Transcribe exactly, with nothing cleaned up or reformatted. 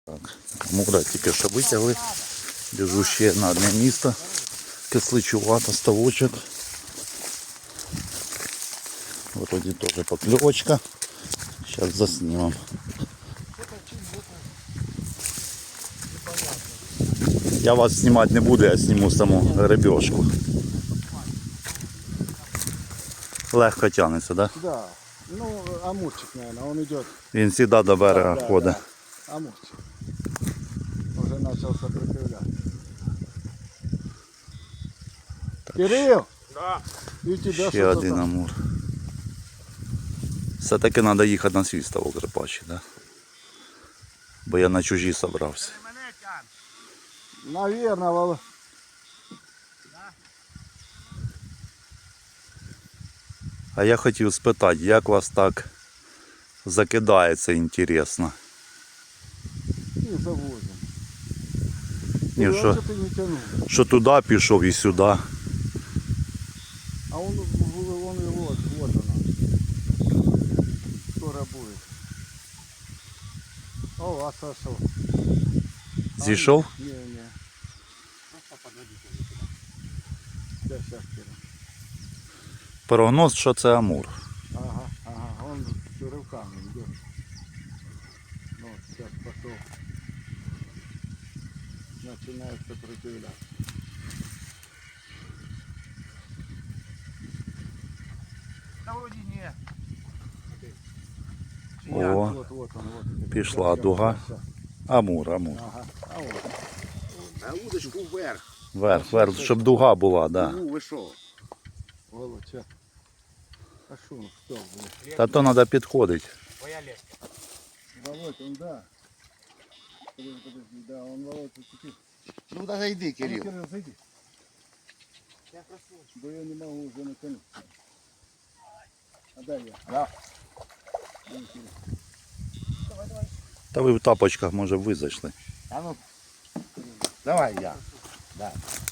Так, Амура тільки що витягли. Біжу ще на одне місто. Кисличувато, ставочок. Вроді теж покльовочка. Зараз заснімем. Я вас знімати не буду, я зніму саму рибешку. Легко тягнеться, так? Да? Да. Ну, амурчик, наверное, он идет. Він завжди до берега Да, да, ходить. да. Амурчик. Уже начал сопротивляться. Кирилл! Да. И у тебя Ще что-то один там. амур. Все-таки треба їхати на свій ставок рибачий, да? Бо я на чужі собрався. Мене тягне. Наверное, Вол... А я хотів спитати, як вас так закидається, інтересно. Не завозим. Ні, Ну, що, раньше ты не тянул. що туди пішов і сюди. А он, он и вот, вот она. Скоро будет. О, а сошел. Зійшов? Не, не. Просто подводите. Сейчас, сейчас, Кирилл. Прогноз, що це амур. Ага, ага, он с рывками идет. Ну, вот, сейчас пошел. Начинает сопротивляться. Та вроді ні. О, Вот, вот он, вот. пішла Щас, дуга. щас, щас. Амур, амур. Ага, а вот. На удочку вверх. Вверх, вверх, щоб дуга була, да. Ну, ви що? Володь, щас. А что он, что, блядь? Та то треба підходити. Твоя леска. Володь, он, да. Подожди, подожди, да, он, Володь, зацепил. Ну, да зайди, А ну, Кирилл. Кирилл, зайди. Да я не могу уже натянуть. А дай я. Да. Ну, Кирилл. Та ви в тапочках, може, ви зайшли. А ну, давай я. Да.